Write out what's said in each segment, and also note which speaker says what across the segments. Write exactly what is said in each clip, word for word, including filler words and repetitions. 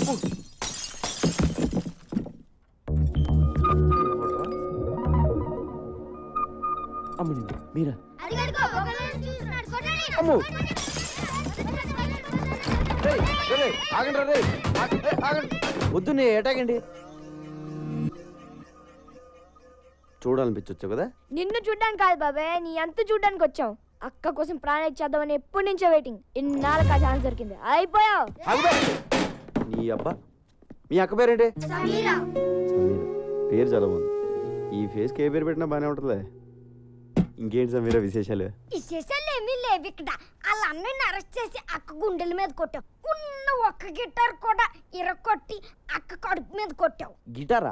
Speaker 1: అమ్మని మీరా అమ్మో ఆగండి రే ఆగండి వద్దు నే ఏటాగండి చూడాలనిపించొచ్చు కదా
Speaker 2: నిన్ను చూడ్డానికి కాదు బాబాయ్ నీ అంత చూడ్డానికి వచ్చాం అక్క కోసం ప్రాణం ఇచ్చేద్దామని ఎప్పటి నుంచో వెయిటింగ్ ఇన్నాళ్ళకి ఆ ఛాన్స్ దొరికింది అయిపోయావు
Speaker 1: నీ అబ్బా మీ అక్క పేరేంటి సమీరా పేరు చాలా బాగుంది ఈ ఫేస్కి ఏ పేరు పెట్టినా బాగానే ఉంటుందిలే ఇంకేంటి సమీరా విశేషాలు
Speaker 2: విశేషాలు ఏమీ లేవు ఇక్కడ వాళ్ళ అన్నయ్యని అరెస్ట్ చేసి అక్క గుండెల మీద కొట్టావు ఉన్న ఒక్క గిటార్ కూడా ఇరకొట్టి అక్క కడుపు మీద కొట్టావు
Speaker 1: గిటారా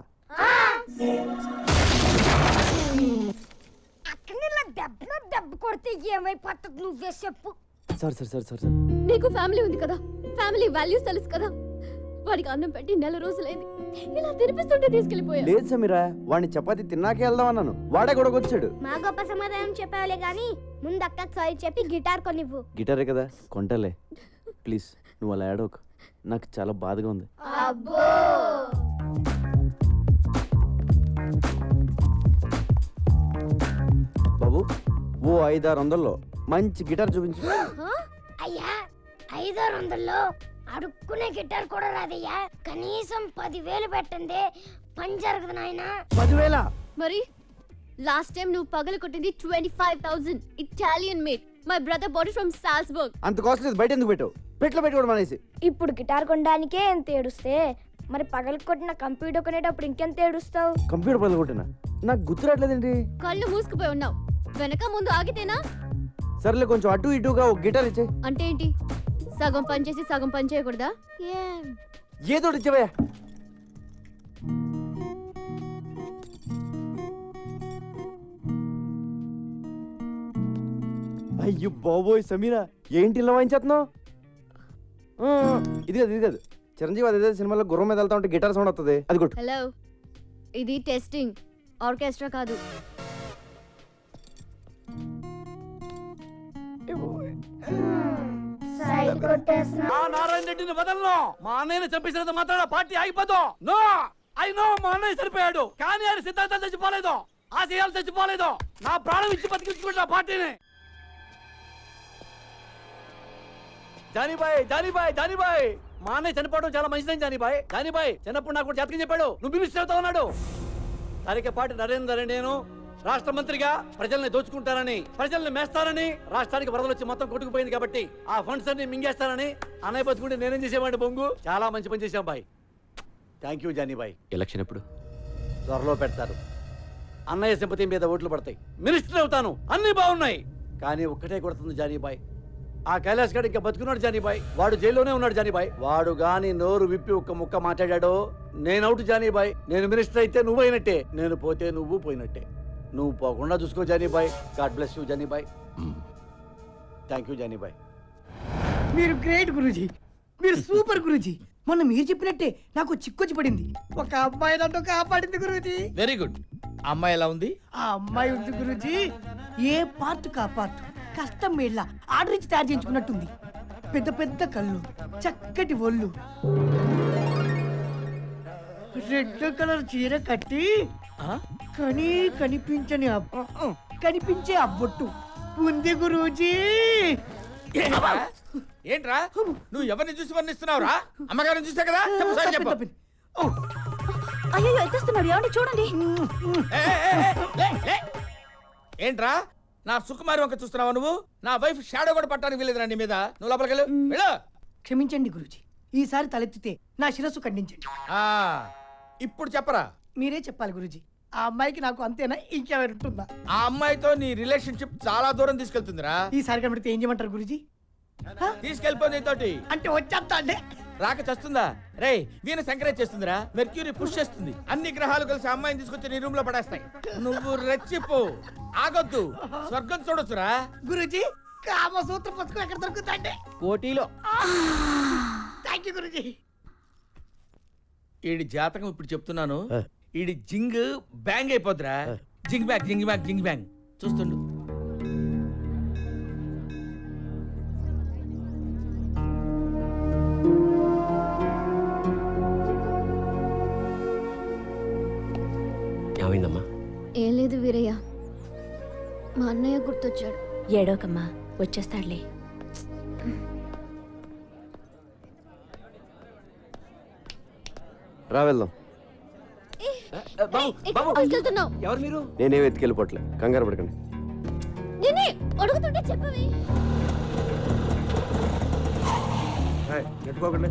Speaker 2: అక్కని ఇలా దెబ్బ దెబ్బ కొడితే ఏమైపోతుంది నువ్వే చెప్పు
Speaker 1: sir sir sir sir sir
Speaker 3: నీకు ఫ్యామిలీ ఉంది కదా ఫ్యామిలీ వాల్యూస్ తెలుసు కదా వాడికి అన్నం పెట్టి నెల రోజులైంది ఇలా తినిపిస్తుంటే తీసుకెళ్లిపోయా
Speaker 1: లేదు సమీరా వాడిని చపాతి తిన్నాకే వెళ్దాం అన్నాను వాడే కూడా వచ్చాడు
Speaker 2: మా గొప్ప సమాధానం చెప్పావులే గానీ ముందు అక్కకి సారీ చెప్పి గిటార్ కొనివ్వు
Speaker 1: గిటారే కదా కొంటలే ప్లీజ్ నువ్వు అలా ఏడవకు నాకు చాలా బాధగా ఉంది
Speaker 2: అబ్బో
Speaker 1: బాబు ఓ ఐదారు వందల్లో మంచి గిటార్ చూపించు
Speaker 2: అయ్యా ఐదారు వందల్లో అడుక్కునే గిటార్ కూడా రాదయ్యా కనీసం పదివేలు పెట్టండి పని జరగదు నాయనా
Speaker 1: పదివేల
Speaker 3: మరి లాస్ట్ టైం నువ్వు పగలు కొట్టింది twenty five thousand Italian made my brother body from Salzburg
Speaker 1: అంత కాస్ట్ లేదు బయట ఎందుకు పెట్టావు పెట్లో పెట్టుకోవడం అనేసి
Speaker 2: ఇప్పుడు గిటార్ కొనడానికే ఎంత ఏడుస్తే మరి పగలు కొట్టిన కంప్యూటర్ కొనేటప్పుడు ఇంకెంత ఏడుస్తావు
Speaker 1: కంప్యూటర్ పగలు కొట్టినా నాకు గుర్తు రావట్లేదండి
Speaker 3: కళ్ళు మూసుకుపోయి ఉన్నావు వెనక ముందు ఆగితేనా
Speaker 1: సర్లే కొంచెం అటు ఇటుగా ఒక గిటార్ ఇచ్చే
Speaker 3: అంటే ఏంటి సగం పని చేసి సగం పని చేయకూడదా
Speaker 1: ఏదో ఇచ్చేవయ్యా అయ్యో బాబోయ్ సమీరా ఏంటి ఇలా వాయించేస్తున్నావు ఇది కాదు ఇది కాదు చిరంజీవి అదే సినిమాలో గుర్రం మీద వెళ్తా ఉంటే గిటార్ సౌండ్ వస్తుంది అది కొట్టు
Speaker 3: హలో ఇది టెస్టింగ్ ఆర్కెస్ట్రా కాదు
Speaker 4: మా నారాయణ రెడ్డిని వదలను మా అన్నయ్యని చంపేసినంత మాత్రాన పార్టీ ఆగిపోదు నో ఐ నో మా అన్నయ్య చనిపోయాడు కానీ ఆయన సిద్ధాంతాలు చచ్చిపోలేదు ఆశయాలు చచ్చిపోలేదు నా ప్రాణం ఇచ్చి బతికించుకుంటా పార్టీని జానీబాయ్ జానీబాయ్ జానీబాయ్ మా అన్నయ్య చనిపోవడం చాలా మంచిదని జానీబాయ్ జానీబాయ్ చిన్నప్పుడు నాకు జాతకం చెప్పాడు నువ్వు మినిస్టర్ అవుతా ఉన్నాడు తరికపాటి నరేందర్ నేను రాష్ట్ర మంత్రిగా ప్రజల్ని దోచుకుంటారని ప్రజల్ని మేస్తారని రాష్ట్రానికి వరదలు వచ్చి మొత్తం కొట్టుకుపోయింది కాబట్టి ఆ ఫండ్స్ అన్ని మింగేస్తారని అన్నయ్య బతుకుంటే నేనేం చేసేవాడిని బొంగు చాలా మంచి పని చేశాం బాయ్ థ్యాంక్ యూ జానీబాయ్
Speaker 1: ఎలక్షన్ ఎప్పుడు
Speaker 4: త్వరలో పెడతారు అన్నయ్య సింపతి మీద ఓట్లు పడతాయి మినిస్టర్ అవుతాను అన్ని బాగున్నాయి కానీ ఒక్కటే కొడుతుంది జానీబాయ్ ఆ కైలాస్ గడ్ ఇంకా బతుకున్నాడు జానీబాయ్ వాడు జైల్లోనే ఉన్నాడు జానీబాయ్ వాడు గాని నోరు విప్పి ఒక్క ముక్క మాట్లాడాడో నేను అవుట్ జానీబాయ్ నేను మినిస్టర్ అయితే నువ్వు అయినట్టే నేను పోతే నువ్వు పోయినట్టే నువ్వు పోకుండా చూసుకో జానీబాయ్ గాడ్ బ్లెస్ యూ జానీబాయ్ థ్యాంక్ యూ జానీబాయ్
Speaker 5: మీరు గ్రేట్ గురూజీ మీరు సూపర్ గురూజీ మొన్న మీరు చెప్పినట్టే నాకు చిక్కొచ్చి పడింది ఒక అమ్మాయి నన్ను కాపాడింది గురూజీ
Speaker 6: వెరీ గుడ్ అమ్మాయి ఎలా ఉంది
Speaker 5: ఆ అమ్మాయి ఉంది గురూజీ ఏ పార్ట్ కా పార్ట్ కష్టం మేళ్ళ ఆర్డర్ ఇచ్చి తయారు చేయించుకున్నట్టుంది పెద్ద పెద్ద కళ్ళు చక్కటి ఒళ్ళు రెడ్ కలర్ చీర కట్టి కనీ కనిపించని కనిపించే అబ్బొట్టు ఉంది గురూజీ
Speaker 6: ఏంట్రా నువ్వు ఎవరిని చూసి వర్ణిస్తున్నావురా అమ్మగారిని చూసా కదా చెప్పు సార్ చెప్పు
Speaker 3: అయ్యో ఎత్తేస్తున్నాడు ఏమండి చూడండి
Speaker 6: ఏంట్రా నా సుకుమారి వంక చూస్తున్నావా నువ్వు నా వైఫ్ షాడో కూడా పట్టడానికి వెళ్ళేదిరా నీ మీద నువ్వు లోపలికి వెళ్ళు వెళ్ళు
Speaker 5: క్షమించండి గురూజీ ఈసారి తలెత్తితే నా శిరస్సు ఖండించండి
Speaker 6: ఆ ఇప్పుడు చెప్పరా
Speaker 5: మీరే చెప్పాలి గురూజీ ఆ అమ్మాయికి నాకు అంతేనా ఇంకెవరు ఉంటుందా
Speaker 6: ఆ అమ్మాయితో నీ రిలేషన్షిప్ చాలా దూరం తీసుకెళ్తుందిరా
Speaker 5: ఈసారి కనబడితే ఏం చేయమంటారు గురూజీ
Speaker 6: తీసుకెళ్ళిపోయింది తోటి
Speaker 5: అంటే వచ్చేస్తా అంటే
Speaker 6: రాక చస్తుందా రే వీణ సంక్రేజ్ చేస్తుందిరా మెర్క్యూరీ పుష్ చేస్తుంది అన్ని గ్రహాలు కలిసి అమ్మాయిని తీసుకొచ్చి నీ రూమ్ లో పడేస్తాయి నువ్వు రెచ్చిపో ఆగొద్దు స్వర్గం చూడొచ్చురా
Speaker 5: గురూజీ కామసూత్ర పుస్తకం ఎక్కడ దొరుకుతుందంటే
Speaker 1: కోటిలో
Speaker 5: థ్యాంక్ యూ గురూజీ
Speaker 6: ఈడి జాతకం ఇప్పుడు చెప్తున్నాను ఈడి జింగ్ బ్యాంగ్ అయిపోద్దిరా జింగ్ బ్యాంగ్ జింగ్ బ్యాంగ్ జింగ్ బ్యాంగ్ చూస్తుండు
Speaker 7: ఏమైందమ్మా?
Speaker 3: ఏం లేదు వీరయ్య, మా అన్నయ్య గుర్తొచ్చాడు.
Speaker 8: ఏడోకమ్మా, వచ్చేస్తాడులే.
Speaker 1: రా వెళ్దాం.
Speaker 3: వెళ్తున్నావు?
Speaker 4: ఎవరు మీరు?
Speaker 1: నేనే వెతికెళ్ళిపోవట్లే, కంగారు పడకండి.
Speaker 3: నేనే అడుగుతుంటే చెప్పవి.
Speaker 1: నెట్టుకోకండి.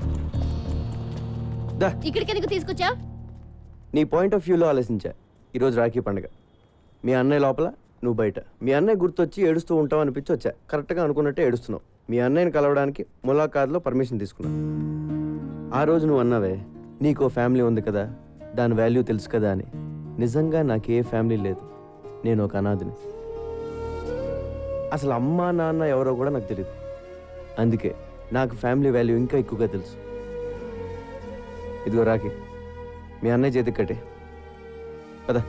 Speaker 1: దా.
Speaker 3: ఇక్కడికి ఎందుకు తీసుకొచ్చా?
Speaker 1: నీ పాయింట్ ఆఫ్ వ్యూలో ఆలోచించా. ఈరోజు రాఖీ పండుగ. మీ అన్నయ్య లోపల, నువ్వు బయట. మీ అన్నయ్య గుర్తొచ్చి ఏడుస్తూ ఉంటావు అనిపించి వచ్చా. కరెక్ట్గా అనుకున్నట్టే ఏడుస్తున్నావు. మీ అన్నయ్యని కలవడానికి ములాఖాత్లో పర్మిషన్ తీసుకున్నావు. ఆ రోజు నువ్వు అన్నావే, నీకో ఫ్యామిలీ ఉంది కదా, దాని వాల్యూ తెలుసు కదా అని. నిజంగా నాకు ఏ ఫ్యామిలీ లేదు, నేను ఒక అనాథిని. అసలు అమ్మ నాన్న ఎవరో కూడా నాకు తెలియదు. అందుకే నాకు ఫ్యామిలీ వాల్యూ ఇంకా ఎక్కువగా తెలుసు. ఇదిగో రాఖీ, మీ అన్నయ్య చేతికి కట్టే పద.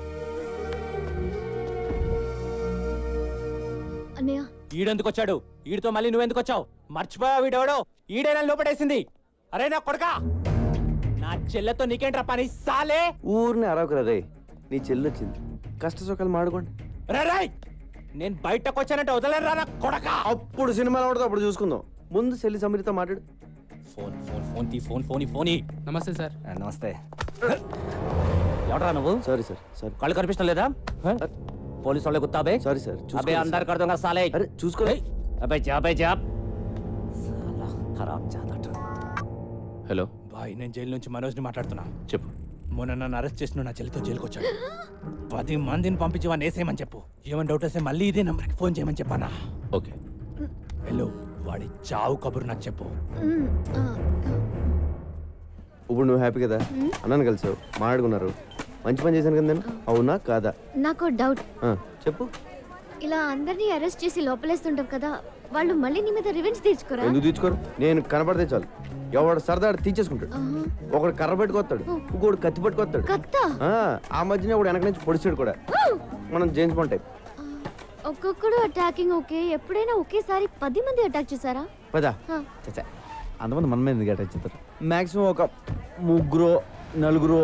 Speaker 3: అన్నయ్య,
Speaker 7: ఈడెందుకు వచ్చాడు? ఈడితో మళ్ళీ నువ్వెందుకు వచ్చావు? మర్చిపోయా వీడెవడో? ఈడైనా లోపడేసింది. అరే నా కొడకా, నా చెల్లెతో నీకేంట్రా పని సాలే?
Speaker 1: ఊరిని అరవకురా రే, నీ చెల్లి వచ్చింది, కష్ట సుఖాలు మాడుకోండి.
Speaker 7: రే రాయ్, నేను బయటకు వచ్చానంటే వదలరా నా కొడకా.
Speaker 1: అప్పుడు సినిమాలో ఉండదు, అప్పుడు చూసుకుందాం. ముందు చెల్లి సమీరితో మాట్లాడు.
Speaker 7: ఫోన్ ఫోన్ ఫోన్ తీ ఫోన్ ఫోన్ ఫోన్.
Speaker 9: నమస్తే సార్.
Speaker 7: నమస్తే. ఎవడరా నువ్వు?
Speaker 1: Sorry sir, sorry.
Speaker 7: కళ్ళు కనిపించడం లేదా? పోలీసు వాళ్ళే గుత్తాబే.
Speaker 1: Sorry sir.
Speaker 7: అబే అందరు కడతాం కదా సాలే.
Speaker 1: అరే చూసుకో.
Speaker 7: అబే జాబే జాబ్. సాలా ఖరాబ్ జాదట.
Speaker 6: హలో
Speaker 9: బాయ్, నేను జైలు నుంచి మనోజ్ని మాట్లాడుతున్నా.
Speaker 6: చెప్పు.
Speaker 9: మొన్న నన్ను అరెస్ట్ చేసిన నా చెల్లితో జైలుకి వచ్చాడు. పది మందిని పంపించి వాడిని వేసేయమని చెప్పు. ఏమైనా డౌట్ వస్తే మళ్ళీ ఇదే నెంబర్కి ఫోన్ చేయమని చెప్పానా?
Speaker 6: ఓకే.
Speaker 9: హలో, వాడి చావు కబురు నాకు చెప్పు.
Speaker 3: మ్, ఆ,
Speaker 1: ఇప్పుడు నువ్వు హ్యాపీ కదా, అన్నాను కలిసావు, మాట్లాడుకున్నారు, మంచి పని చేశాను కదా నేను. అవునా కాదా?
Speaker 3: నాకు డౌట్.
Speaker 1: ఆ, చెప్పు.
Speaker 3: ఇలా అందరినీ అరెస్ట్ చేసి లోపలేస్తుంటాం కదా, వాళ్ళు మళ్ళీ నీ మీద రివెంజ్ తీర్చుకోరా?
Speaker 1: ఎందుకు తీసుకోరు? నేను కనపడితే చాలు, ఎవడు సరదా తీర్చేసుకుంటాడు.
Speaker 3: ఆహా.
Speaker 1: ఒకడు కర్ర పెట్టుకొస్తాడు, ఇంకోడు కత్తి పట్టుకొస్తాడు.
Speaker 3: కత్తా?
Speaker 1: ఆ, ఆ మధ్యన ఒకడు వెనక నుంచి పొడిచాడు కూడా. మనం జేమ్స్ బాండ్ టైప్.
Speaker 3: ఒక్కొక్కడు అటాకింగ్ ఓకే, ఎప్పుడైనా ఒకేసారి పది మంది అటాక్ చేశారా?
Speaker 1: పదా
Speaker 3: హా.
Speaker 1: చచ్చా, అంతమంది మన మీద ఎందుకు అటాచ్ చేస్తారు? మాక్సిమం ఒక ముగ్గురు నలుగురు.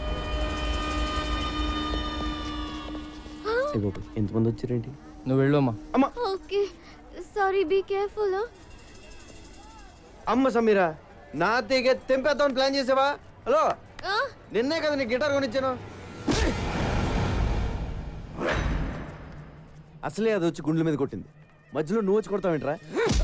Speaker 1: ఎంతమంది వచ్చారేంటి?
Speaker 9: నువ్వు వెళ్ళు అమ్మా.
Speaker 1: అమ్మ
Speaker 3: ఓకే, సారీ, బీ కేర్ఫుల్.
Speaker 1: అమ్మ సమీరా, నా తీగ తెంపేద్దామని ప్లాన్ చేసావా? హలో, నిన్నే కదా నీ గిటార్ కొనిచ్చాను. అసలే అది వచ్చి గుండెల మీద కొట్టింది, మధ్యలో నువ్వు వచ్చి కొడతావేంట్రా?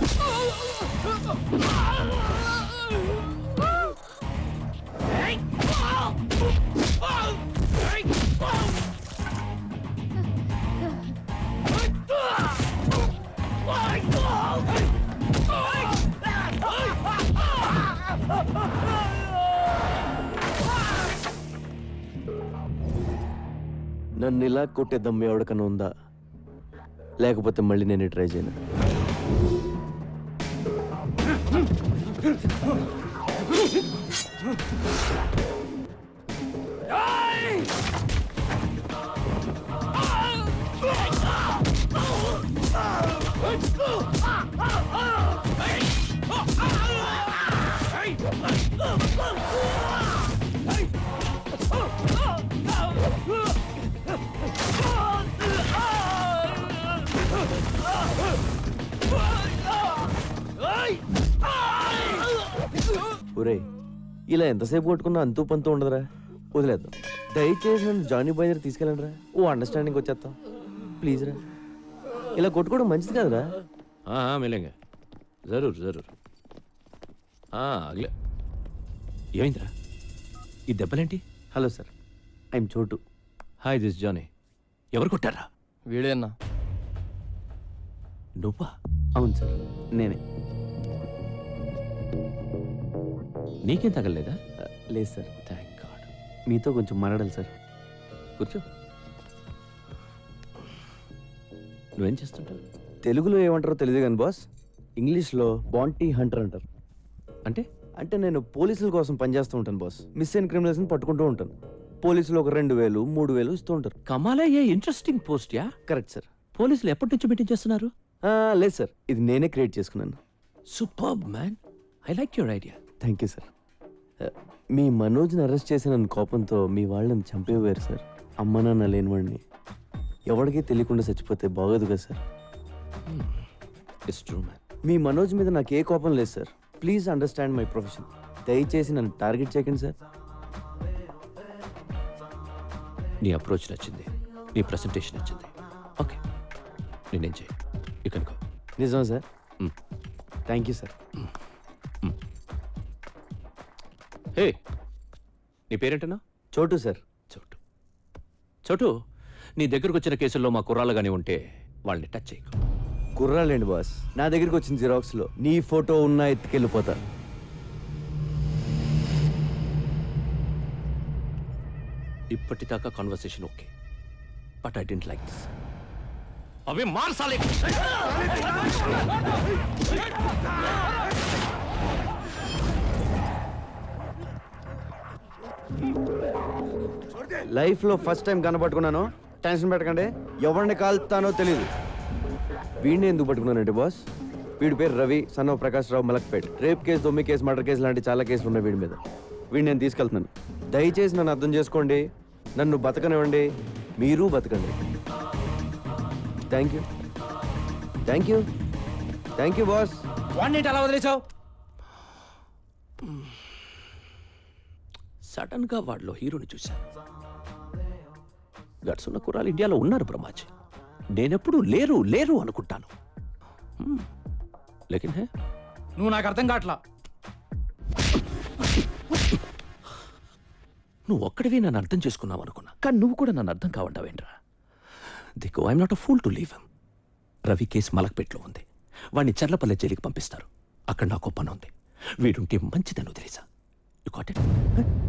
Speaker 1: నన్ను ఇలా కొట్టే దమ్ము ఎవరికన్నా ఉందా? లేకపోతే మళ్ళీ నేను ట్రై చేయను. ఒరే, ఇలా ఎంతసేపు కొట్టుకున్నా అంతూ పంతూ ఉండదురా, వదిలేద్దాం. దయచేసి నన్ను జానీ బాయ్ దగ్గర తీసుకెళ్ళండి రా, ఓ అండర్స్టాండింగ్ వచ్చేస్తాం ప్లీజ్ రా. ఇలా కొట్టుకోవడం మంచిది కాదురా.
Speaker 6: हाँ हाँ मिलेंगे जरूर जरूर हाँ अगले ఏమైందిరా ఈ దెబ్బలేంటి?
Speaker 1: Hello sir, I'm Chotu.
Speaker 6: Hi this Johnny. ఎవరు కొట్టారా?
Speaker 9: వీడేనా?
Speaker 6: నువ్వా?
Speaker 1: అవును సార్, నేనే.
Speaker 6: నీకేం తగలలేదా?
Speaker 1: లేదు సార్.
Speaker 6: Thank God.
Speaker 1: మీతో కొంచెం మాట్లాడాలి సార్.
Speaker 6: కూర్చో. నువ్వేం చేస్తుంటావు?
Speaker 1: తెలుగులో ఏమంటారో తెలియదు కానీ బాస్, ఇంగ్లీష్లో బాంటీ హంటర్ అంటారు.
Speaker 6: అంటే
Speaker 1: అంటే నేను పోలీసుల కోసం పనిచేస్తూ ఉంటాను బాస్. మిస్ అయిన క్రిమినల్స్ని పట్టుకుంటూ ఉంటాను. పోలీసులు ఒక రెండు వేలు మూడు వేలు ఇస్తూ ఉంటారు.
Speaker 6: కమాలా, a interesting post yeah.
Speaker 1: Correct sir.
Speaker 6: పోలీసులు ఎప్పటి నుంచి మీటింగ్ చేస్తున్నారు?
Speaker 1: లేదు సార్, ఇది నేనే క్రియేట్ చేసుకున్నాను.
Speaker 6: Superb man, I like your idea.
Speaker 1: Thank you sir. మీ మనోజ్ని అరెస్ట్ చేసిన కోపంతో మీ వాళ్ళని చంపేవారు సార్. అమ్మ నాన్న లేనివాడిని ఎవరికీ తెలియకుండా చచ్చిపోతే బాగోదు కదా సార్.
Speaker 10: It's true man.
Speaker 1: మీ మనోజ్ మీద నాకు ఏ కోపం లేదు sir. Please understand my profession. దయచేసి నన్ను టార్గెట్ చేయకండి సార్.
Speaker 10: నీ అప్రోచ్ నచ్చింది, నీ ప్రజెంటేషన్ నచ్చింది. ఓకే, నేనేం చేయి ఇక్కడ
Speaker 1: నిజమా sir? Thank you sir.
Speaker 10: Hey, నీ పేరేంటన్నా?
Speaker 1: చోటు సార్.
Speaker 10: చోటు. చోటు, నీ దగ్గరకు వచ్చిన కేసుల్లో మా కుర్రాళ్ళు కానీ ఉంటే వాళ్ళని టచ్ చేయకు.
Speaker 1: కుర్రాలేండి బాస్, నా దగ్గరికి వచ్చిన జిరాక్స్లో నీ ఫోటో ఉన్నా ఎత్తుకెళ్ళిపోతా.
Speaker 10: ఇప్పటిదాకా conversation okay, but I don't like this. అవి మార్చాలి.
Speaker 1: లైఫ్లో ఫస్ట్ టైం కనపట్టుకున్నాను. టెన్షన్ పెట్టకండి, ఎవరిని కాల్తానో తెలియదు. వీడిని ఎందుకు పట్టుకున్నానంటే బాస్, వీడి పేరు Ravi, son of Prakash Rao, Malakpet. Rape case, దొమ్మి కేసు, మర్డర్ కేసు లాంటి చాలా కేసులు ఉన్నాయి వీడి మీద. వీడిని నేను తీసుకెళ్తున్నాను. దయచేసి నన్ను అర్థం చేసుకోండి, నన్ను బతకనివ్వండి, మీరు బతకండి. Thank you thank you thank you boss.
Speaker 7: వాడిని అలా వదిలేసావు?
Speaker 10: సడన్ గా వాడిలో హీరోని చూశాను. గట్స్ ఉన్న కుర్రాలు ఇండియాలో ఉన్నారు బ్రహ్మాజీ. నేనెప్పుడు లేరు లేరు అనుకుంటాను. లేకిన్ హే,
Speaker 7: నువ్వు నాకు అర్థం కావట్లా.
Speaker 10: నువ్వు ఒక్కడివి నన్ను అర్థం చేసుకున్నావు అనుకున్నా, కానీ నువ్వు కూడా నన్ను అర్థం కావంటావేంట్రా? దిక్కు I'm not a fool to leave him. Ravi case మలక్పేట్లో ఉంది, వాడిని చర్లపల్లె జైలుకి పంపిస్తారు. అక్కడ నాకు పని ఉంది. వీడుంటే మంచిదని వదిలేసా. You got it?